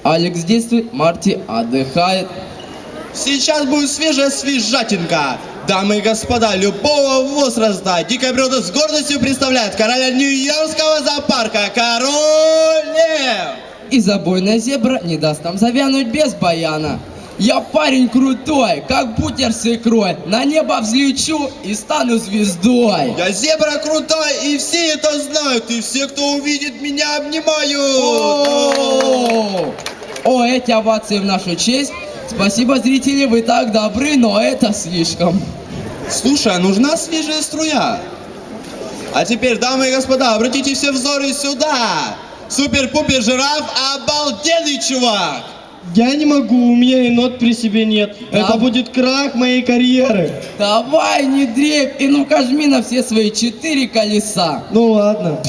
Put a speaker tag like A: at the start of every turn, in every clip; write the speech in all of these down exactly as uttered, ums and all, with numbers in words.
A: Алекс действует, Марти отдыхает.
B: Сейчас будет свежая свежатинка. Дамы и господа, любого возраста дикая природа с гордостью представляет короля Нью-Йоркского зоопарка, Король Лев.
A: И забойная зебра не даст нам завянуть без баяна. Я парень крутой, как бутер с икрой. На небо взлечу и стану звездой.
B: Я зебра крутой, и все это знают. И все, кто увидит меня, обнимают.
A: О, О, эти овации в нашу честь. Спасибо, зрители, вы так добры, но это слишком.
B: Слушай, а нужна свежая струя? А теперь, дамы и господа, обратите все взоры сюда. Супер-пупер жираф, обалденный чувак.
C: Я не могу, у меня и нот при себе нет.
A: Да.
C: Это будет крах моей карьеры.
A: Давай, не дрейф, и ну-ка жми на все свои четыре колеса.
C: Ну ладно.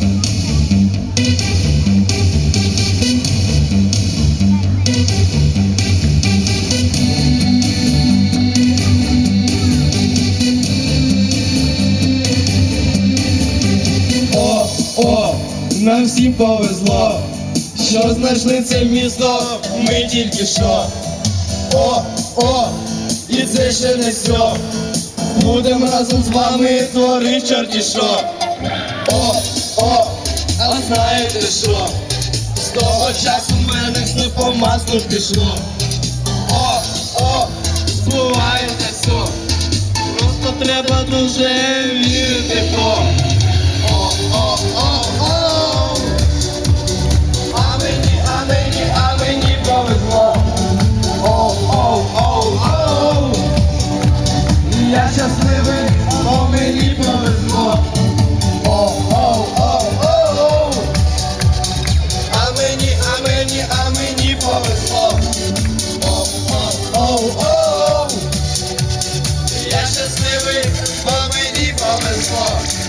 B: О, о, нам всім повезло, що знайшли це місто, ми тільки що. О, о, і це ще не все. Будем разом з вами творити чорті що. О, о, а знаєте що? З того часу в мене все по маслу пішло. О, о, збувається все. Просто треба дуже вірити в то. О, о, о, о. А мені, а мені, а мені повезло. О, о, о, о. Я щасливий, бо мені повезло. О, о, о, о. А мені, а мені, а мені повезло. О, о, о, о. Я щасливий, бо мені повезло.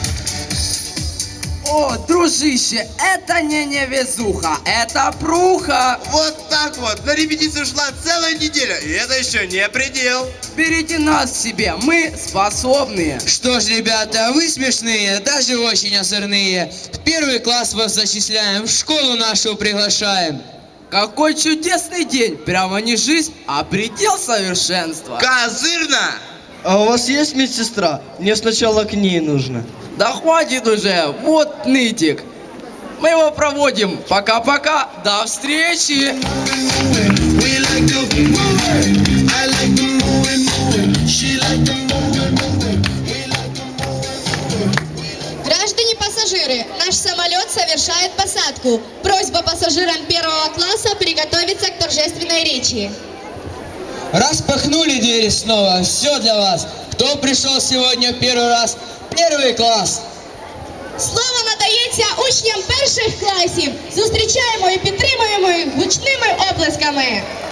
A: О, дружище, это не невезуха, это пруха.
B: Вот так вот, на репетицию шла целая неделя, и это еще не предел.
A: Берите нас к себе, мы способные.
D: Что ж, ребята, вы смешные, даже очень озорные. В первый класс вас зачисляем, в школу нашу приглашаем.
A: Какой чудесный день, прямо не жизнь, а предел совершенства.
B: Козырно!
C: А у вас есть медсестра? Мне сначала к ней нужно.
A: Да хватит уже, вот нытик. Мы его проводим. Пока-пока, до встречи.
E: Граждане пассажиры, наш самолет совершает посадку. Просьба пассажирам первого класса приготовиться к торжественной речи.
D: Распахнули двери снова, все для вас. Кто пришел сегодня в первый раз? Первый класс.
E: Слово надається учням перших класів. Зустрічаємо і підтримуємо їх гучними оплесками.